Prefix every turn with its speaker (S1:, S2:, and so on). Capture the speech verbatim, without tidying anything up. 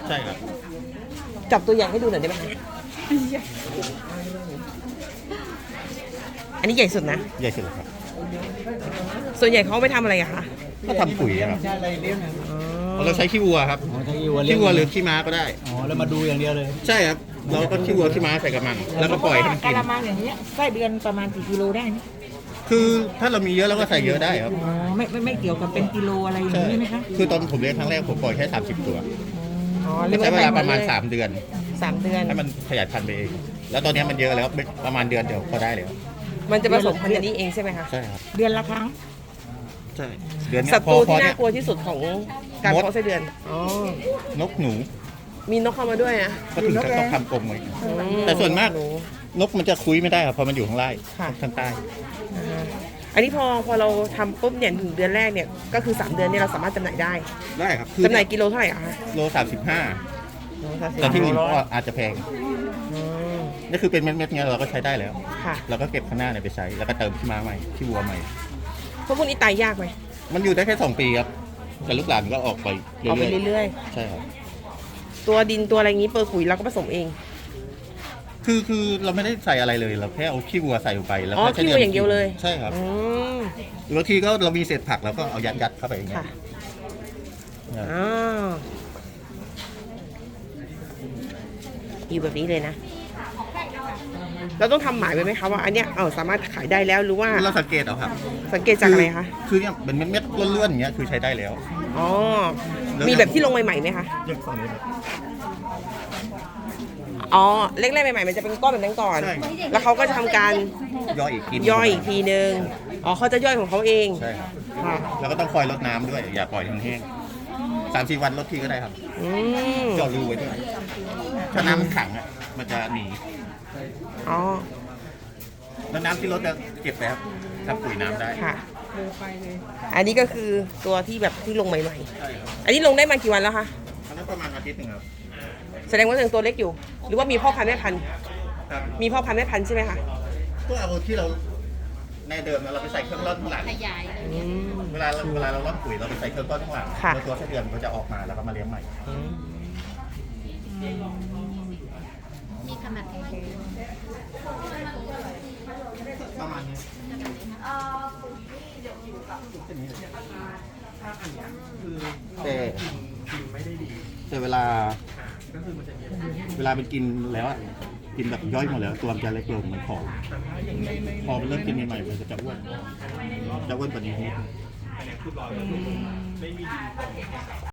S1: ใช่ครับ
S2: จับตัวอย่างให้ดูหน่อยได้ไหมคะอันนี้ใหญ่สุดนะ
S1: ใหญ่สุดเลยครับ
S2: ส่วนใหญ่เขาไปทำอะไรอะคะ
S1: ก็ทำปุ๋ยครับ
S2: อ๋อ
S1: เราใช้ขี้วัวครับ
S3: อ๋อถ้าขี้วัวเลี้ย
S1: ขี้
S3: ง
S1: วัวหรือขี้ม้าก็ได้
S3: อ๋อแล้วมาดูอย่างเดียวเลย
S1: ใช่ครับ เราก็ขี้วัวขี้ม้าใส่กระมัง แล้วก็ปล่อยให้มัน
S4: กะ
S1: กิน
S4: ละมังอย่างเงี้ยไส้เดือนประมาณกี่กิโลได้นะ
S1: คือถ้าเรามีเยอะเราก็ใส่เยอะได้ครับ
S4: อ๋อไม่ไม่ไม่เกี่ยวกับเป็นกิโลอะไรอย่าง
S1: ใช่
S4: นี้ไหมคะ
S1: คือตอนผมเลี้ยงครั้งแรกผมปล่อยแค่สามสิบตัว
S2: อ๋อ
S1: ใช้เวลาประมาณ
S2: สา
S1: สาม มเดือน
S2: สามเดือน
S1: ให้มันขยายพันธุ์ไปเอง แล้วตอนนี้มันเยอะแล้วประมาณเดือนเดียวพอได้แล้ว
S2: มันจะผสมพันธุ์กันนี้เองใช่ไหมคะ
S1: ใช่ครับ
S4: เดือนละครั้ง
S1: ใช่ เดือนเนี้
S2: ศั
S1: ย
S2: ต
S1: พอ
S2: รู
S1: พอ
S2: ที่
S1: เนี่
S2: น่าย กลัวที่สุดของการ
S1: มด
S2: เพาะไส้เดือน อ๋อ
S1: นกหนู
S2: มีนกเข้ามาด้วยนะ
S1: ก็ถึงจะต้องทำกรงไว้
S2: อืม
S1: แต่ส่วนมาก
S2: ห
S1: นกมันจะคุยไม่ได้ครับเพราะมันอยู่ข้างล่าง
S2: ค่ะ
S1: ข้างใต้
S2: อ่าอันนี้พอพอเราทำปุ๊บเนี่ยถึงเดือนแรกเนี่ยก็คือสามเดือนเนี่ยเราสามารถจำหน่ายได้
S1: ได้ครับ
S2: จำหน่ายกิโลเท่าไหร่อะคะ
S1: โลสามสิบห้า
S2: โลสามสิบ
S1: แต่ที่อื่นก็อาจจะแพง
S2: อืม
S1: นี่คือเป็นเม็ดๆเงี้ยเราก็ใช้ได้แล้ว
S2: ค่ะ
S1: เราก็เก็บข้างหน้าเนี่ยไปใช้ แล้วก็เติมขี้ม้าใหม่ขี้วัวใหม่
S2: พวกพวกนี้ตายยากไหม
S1: มันอยู่ได้แค่สองปีครับ แต่ลูกหลานก็ออกไปเรื่
S2: เอาไป
S1: อย
S2: เรื่อย
S1: ๆ ใช่ครับ
S2: ๆ ตัวดินตัวอะไรงี้เปอร์ขุยเราก็ผสมเอง
S1: คือคือเราไม่ได้ใส่อะไรเลย เราแค่เอาขี้วัวใส่ลงไปแล้ว
S2: อ๋อ
S1: ก็ใช้
S2: ขี้วัวอย่างเดียวเลย
S1: ใช่ครับ
S2: อืม
S1: บางทีก็เรามีเศษผักแล้วก็เอายัดยัดๆเข้าไปอย่างเงี้
S2: ค่ะ
S1: ยเนี่ย
S2: อ๋ออยู่แบบนี้เลยนะ เราต้องทำหมายไว้ไหมคะว่าอันเนี้ยเออสามารถขายได้แล้วหรือว่า
S1: เราสังเกตเอาครับ
S2: สังเกตจากอะไรคะ
S1: คือเนี่ยเป็นเม็ดๆล้วนๆอย่างเงี้ยคือใช้ได้แล้ว
S2: อ๋อ มีแบบที่ลงใหม่ๆไหมคะ
S1: เรื่องฝั่งนี้ครับ
S2: อ๋อ เล็กๆใหม่ๆมันจะเป็นก้อนแบบนั้นก่อน
S1: ใช่
S2: แล้วเขาก็จะทำการ
S1: ย่อยอีกที
S2: ย่อยอีกทีนึง อ๋อเขาจะย่อยของเขาเอง
S1: ใช่ครับ
S2: ค่ะ
S1: แล้วก็ต้องคอยรดน้ำด้วย อย่าปล่อยแห้งๆสามสี่วันรดทีก็ได้ครับ
S2: อืม
S1: เจาะรูไว้ด้วยถ้าน้ำมันขังอ่ะมันจะหนี
S2: อ๋อ
S1: แล้วน้ำที่รดจะเก็บแบบทำปุ๋ยน้ำได้
S2: ค่ะ อันนี้ก็คือตัวที่แบบที่ลงใหม่
S1: ใช่ครับ
S2: ๆ อันนี้ลงได้มากี่วันแล้วคะ
S1: อันนั้นประมาณอาทิตย์หนึ่งครับ
S2: แสดงว่ายังตัวเล็กอยู่ หรือว่ามีพ่อพันธุ์แม่พันธุ์
S1: ครับ
S2: มีพ่อพันธุ์แม่พันธุ์ใช่ไหมคะ
S1: ก็เอาที่เราในเดิมเราไปใส่เครื่องร่อนข้างหลัง
S2: อืม
S1: เวลาเราเวลาเราร่อนปุ๋ยเราไปใส่เครื่องร่อนข้างหลัง
S2: ค่ะ
S1: แล้วตัวไส้เดือนมันก็จะออกมาแล้วก็มาเลี้ยงใหม่
S2: อืม
S5: มีขนาดไหน
S1: ประมาณนี้แต่แต่เวลา เวลามันกินแล้วอะกินแบบย่อยหมดแล้ว ตัวมันจะเล็กลงเหมือนของพอมันเริ่มกินใหม่ๆมันก็จะอ้วนจะอ้วนกว่านี้นิดนึง